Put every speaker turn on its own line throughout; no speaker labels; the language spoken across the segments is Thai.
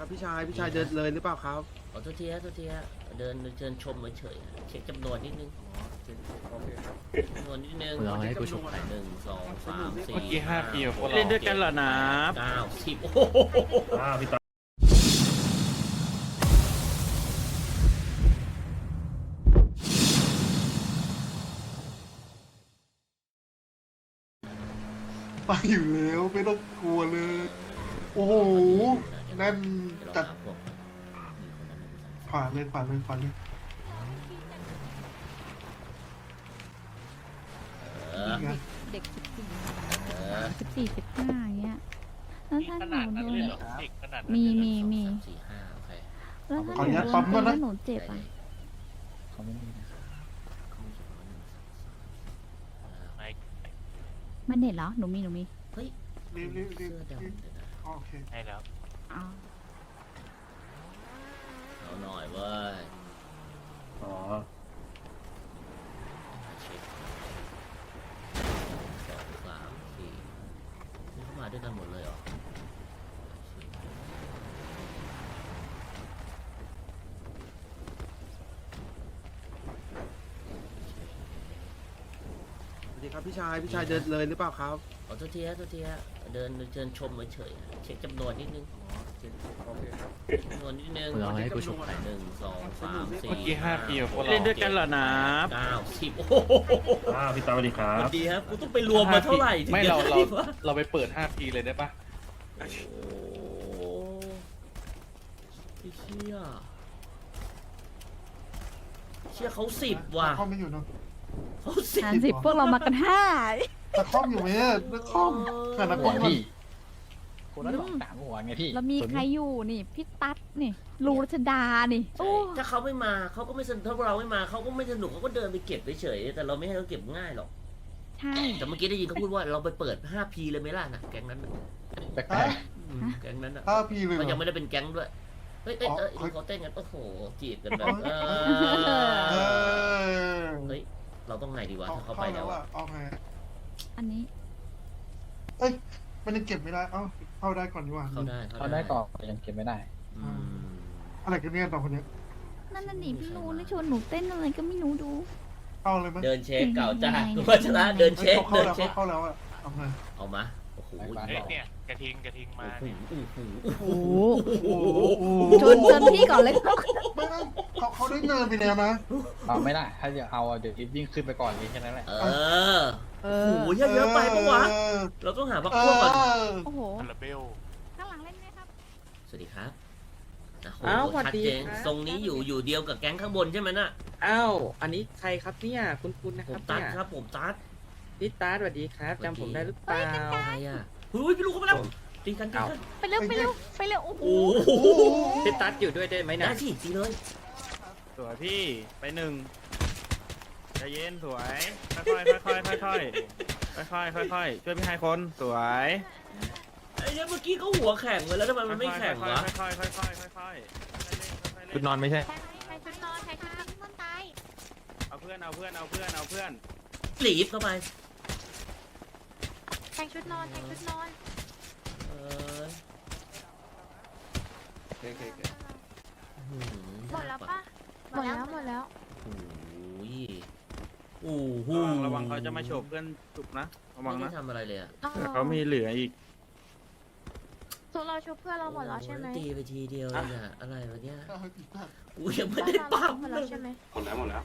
ครับพี่ชายเดินเลยหรือเปล่าครับ
ขอโทษทีฮะเดินชมเฉยๆเช็คจำนวนนิดนึงจำนวนนิดนึง
เราให้กูชมหน่อย
1 2 3 4
เมื่อกี้5 ปีกับพวกเรา
เล่นด้วยกันเหรอนะ
9 10โอ้โห
พี่ตา
ไปอยู่แล้วไม่ต้องกลัวเลย โอ้โหนั่นจัดขวาเลย นี่ไง
เด็ก14 15อย่างเงี้ยแล้วถ้าหนูโดน มี
4 5โอเค
แล้วถ้าหนูโดนตีแล้วหนูเจ็บอ่ะ
เขาไม่มีนะ
มันเด็ดเหรอ หนูมี
เฮ้ย
รีบ
เสื้อดำเดี๋ยวนะ
โอเค
ให้แล้ว
อ๋อ
เอาหน่อยเว้ย
อ๋อ
เช็ค2 3 4นี่เข้ามาด้วยกันหมดเลยเหรอ
สวัสดีครับพี่ชายเดินเลยหรือเปล่าครับ
ขอโทษทีฮะเดินชมเฉยๆเช็คจำนวนนิดนึงจำนวนนิดนึง
เราให้กูชมหน่อย
1 2 3 4
เมื่อกี้5 ปีกับพวกเรา
เล่นด้วยกันเหรอนะ
9 10โอ้โห
พี่ตาสวัสดีครั
ส
บ
วัสดีครับกูต้องไปรวมมาเท่าไหร่ถึง
ไม่
จะ
เรา
ได้วะ
เราไปเปิด5 ปีเลยได้ปะ
โอ้ไอ้เชี่ยเขา10ว่ะ
ตะคอมไม่อยู่เนอะ
เขา
50พวกเรามากัน5
ตะคอมอยู่ไหมอะตะคอมขนาด
หัว
นั้น
พี่คนละ2 3 หัวไงพี่
แล้วมีใครอยู่นี่ พี่ตั๊ดนี่ลูรัชดานี่ โอ้
ถ้าเขาไม่มาเขาก็ไม่สนุกถ้าเราไม่มาเขาก็ไม่สนุกเขาก็เดินไปเก็บเฉยๆแต่เราไม่ให้เขาเก็บง่ายหรอก
ใช่
แต่เมื่อกี้ได้ยินเขาพูดว่าเราไปเปิด 5P เลยไหมล่ะนะแก๊งนั้นน่ะ
แปลก
แก๊งนั้นอ่ะ
5 ปีเลยเหร
มันยัง
อ
ไม่ได้เป็นแก๊งด้วยเฮ้ย
อ๋อ
เขาเต้นกันโอ้โหจีบกันแบบ
เออ
เฮ้ยเราต้องไงดีวะถ้าเขาไปแล้ว
อะ
อะ
เอาไง
อันนี้
เอ้ยมันยังเก็บไม่ได้เอ้าเข้าได้ก่อนดีกว่า
เขาได้
ๆเขาได้ก่อนแต่ยังเก็บไม่ได้
อืม
อะไรกันเนี่ยต่อคนเนี้ย
นั่นน่ะนี่พี่รู้นี่ชวนหนูเต้นอะไรก็ไม่รู้ดู
เข้าเลยมั้ย
เดินเช็คเก่าจ้า
ยังไง
คุณวัชระเดินเช็ค
เข้า
เดิน
แล้ว
เช็ค
เข้าแล้วอะเอาไง
เอามาโอ้โห
ไป
เนี่ยกระทิงมา
โอ้โห
โอ้โห
โอ้โห
ชวนพี่ก่อนเลย
ไม่เขาได้เนินไปแล้วนะ
เอาไม่ได้ถ้าจะเอาเดี๋ยววิ่งขึ้นไปก่อนนี้แค่นั้นแหละ
เออโอ้โหเยอะๆไปปะวะเราต้องหาพักพวกก่อน
โอ้โห
คาราเบล
ข้างหลังเล่นไหมครับ
สวัสดีครับโอ้โห
อ้าวสวัส
ชัด
ดี
เจน
ครับ
ทรงนี้อยู่เดียวกับแก๊งข้างบนใช่ไหมน่ะ
อ้าวอันนี้ใครครับเนี่ยคุณนะ
ผ
ครั
ม
บ
ตัด
เนี่ย
ครับผมตัด
พี่ตาสวัสดีครับจำผมได้หรือเปล่า
ใครอ่ะเฮ้ยพี่ลูกเขาไปแล้วตีกัน
ไปเร็วโอ้โห
โอ้โห
พี่ตัดอยู่ด้วยได้ไหม
ได้
นะ
สิตีเลย
สวยพี่ไป1ใจเย็นสวยค่อยๆค่อยๆค่อยๆค่อยๆช่วยพี่ไฮคนสวย
ไอ้เนี่ยเมื่อกี้เขาหัวแข็งเลยแล้วทำไมมันไม่แข็งวะ
ค่อยๆค่อยๆค่อยๆ
ชุดนอนไม่ใช่
ใครชุดนอนมันตาย
เอาเพื่อน
หลีบเข้าไป
แทงชุดนอน
เออ
หมดแล้วปะหมดแล้ว
โอ้โห
ระวังเขาจะมาโฉบเพื่อนจุกนะระวัง
ไม่
นะ
ได้ทำอะไรเลยอ่ะ
แต่เขามีเหลืออีก
ส่วนเราชุบเพื่อนเราหมดแล้วใช่ไหม
ตีไปทีเดียวเลยอ่ะอะไรวะเนี่ยกูยังไม่ได้ปั๊ม
หมด
เล
แล้ว
ย
ใช่ไหม
หมดแล้ว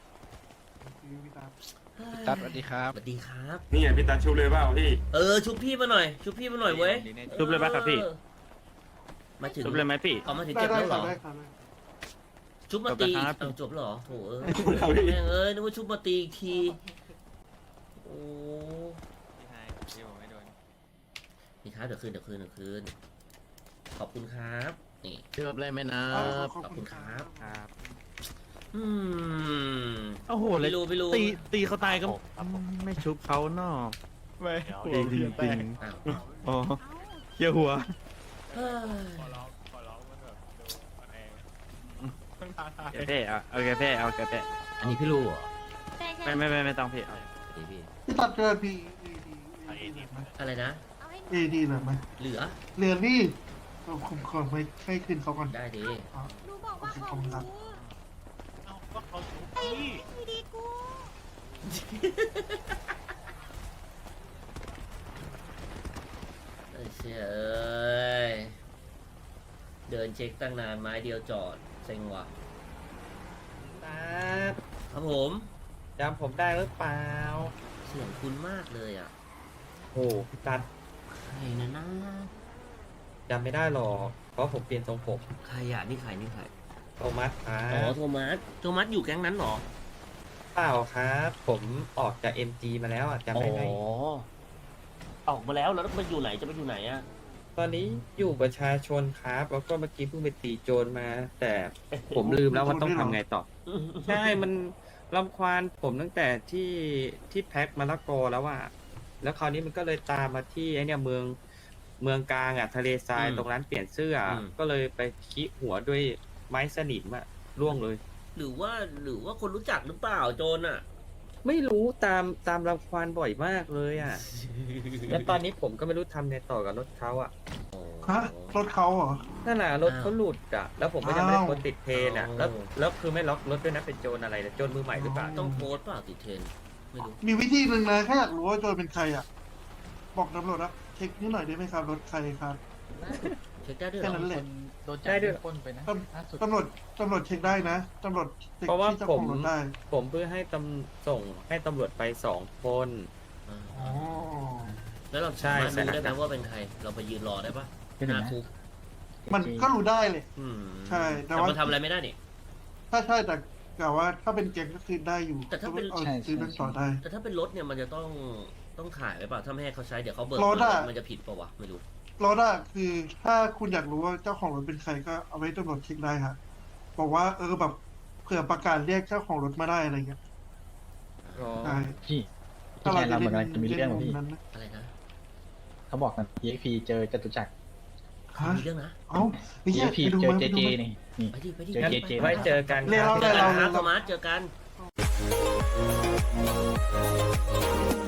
ตัดสวัสดีครับ
สวัสดีครับ
นี่ไงพี่ตาชูเลยเปล่าพี่
ชุบพี่มาหน่อยเว้ย
ชุบเลยป่ะครับพี่
มาถึง
ชุบเลยไหมพี่
เอามาถึง
ได้
เจ็บ
ได้
แล้วเหรอ
ได้ค่ะ
ชุบมาตี
จบแล้วครับ
เอาจบแล้วเหรอโถเอ้ย
จบแล้วพี่
แม่งเอ้ยนึกว่าชุบมาตีอีกทีโอ้นี่ครับเดี๋ยวคืนขอบคุณครับนี่
เชื่อเลยไหมนะ
ขอบคุณครับ
ครับ
อืม
โอ้โหเลย
ไม่รู้
ตีเขาตายก็ไม่ชุบเขาเนาะไม่จริงจริง
อ้าว
อ๋อเกี่ยวหัว
เฮ้ย
แกเพ่เอาแกเพ่เอาแกเพ่
อันนี้พี่รู้เหรอ
ไม่ต้องพี่เอา
พี่
พี่ตัดเกินพี่
อะไรนะ
AD เหรอไหม
เหลือ
เรียนนี่ผมขอไม่ให้คืนเขาก่อน
ได้ดี
อ๋อ
หนูบอกว่า
โอเค
ข
ข
อ
อบ
ง
คุณ
ห
ครั
นู
บ
ดีกู
ไอ้เชี่ยเอ้ยเดินเช็คตั้งนานไม้เดียวจอดเซ็งว่ะ
ตัด
ครับผม
จำผมได้หรือเปล่า
เสียงคุ้นมากเลยอ่ะ
โอ้พี่ตัด
ใครนะ
จำไม่ได้หรอกเพราะผมเปลี่ยนทรงผม
ใครอ่ะนี่ใครนี่ใคร
โทมัสครั
อ๋อบ โทมัสอยู่แก๊งนั้นเหรอ
เปล่าครับ ผมออกจาก MG มาแล้วอ่ะจำได้ไหม
ออกมาแล้วแล้วมันอยู่ไหนจะไปอยู่ไหนอ่ะ
ตอนนี้อยู่ประชาชนครับ แล้วก็เมื่อกี้เพิ่งไปตีโจรมา แต่ผมลืมแล้วว่าต้องทำไงต่อ ใช่ มันรำควานผมตั้งแต่ที่แพ็คมะละกอแล้วอะแล้วคราวนี้มันก็เลยตามมาที่ไอเนี่ยเมืองกลางอะทะเลทราย
อืม
ตรงร้านเปลี่ยนเสื้ออ
ม
ก็เลยไปขี้หัวด้วยไม้สนิมอะร่วงเลย
หรือว่าคนรู้จักหรือเปล่าโจรอ่ะ
ไม่รู้ตามรำควานบ่อยมากเลยอะ แล้วตอนนี้ผมก็ไม่รู้ทำไงต่อกับรถเขาอะ
ฮะรถเขาเหรอ
นั่นแหละรถเขาหลุดอะแล้วผมก็ยังไม่ได้
อ้าว
โพสต์ติดเทรนอะแล้วคือไม่ล็อกรถด้วยนะเป็นโจรอะไรนะโจรมือใหม่หรือเปล่า
ต้องโพสต์เปล่าติดเทรนด์ไม่รู้
มีวิธีหนึ่งนะแค่อยากรู้ว่าโจรเป็นใครอ่ะ บอกตำรวจนะเช็คนิดหน่อยได้ไหมครับรถใครครับ
เช็คได้ด้วย
แค่
เหร
นั้
อน
แหละ
โดนจับปล้นไปนะล่าสุด
ตำรวจเช็คได้นะตำรวจเช็ค
เพราะว่า
ที่เจ้า
ผ
ข
ม
องรถได้
ผมเพื่อให้ส่งให้ตำรวจไป2 คน
อ่า
อ๋อ
แล้วเรา
ใช่
สามารถรู้ได้ไหม
ใช่
ว่าเป็นใคร เราไปยืนรอได้ปะ
ที่
ห
ไหน
น้า
นะ
คุก
มันก็รู้ได้เลย
อืม
ใช่แต่
แต่
ว่า
มันทำอะไรไม่ได้นี่
ถ้าใช่แต่กล่าวว่าถ้าเป็นแก๊งก็คือได้อยู่
แต่ถ้าเป็น
เอาซื้อนั่นต่อได้
แต่ถ้าเป็นรถเนี่ยมันจะต้องถ่ายไว้เปล่าถ้าไม่ให้เขาใช้เดี๋ยวเขาเบิก
รถอะ
มันจะผิดเปล่าวะไม่รู้
รถอะคือถ้าคุณอยากรู้ว่าเจ้าของรถเป็นใครก็เอาไว้ตำรวจเช็คได้ค่ะบอกว่าแบบเผื่อประกาศเรียกเจ้าของรถมาได้อะไรเงี้ย
อ๋อ
ใช่
พี่ที่แทนเราเหมือนกันจะมีเรื่องของพี่
นั้นนะ
อะไรนะ
เขาบอกกัน EXP เจอจตุจักร
ฮะ
มีเรื่องนะ
เอ้าไอ้เหี้ย
EXP
ไปดู
เจอ
มา
เจ
ไปดู
เจ
มา
นี่นี่
ไปดิไปดิ
เจอ
ไปดิ
เจ
ไป
ไว้
ดิ
เจอกัน
เรียก
ค
เรา
รับ
เจอกันครับ
เรา
โทมัสเจอกัน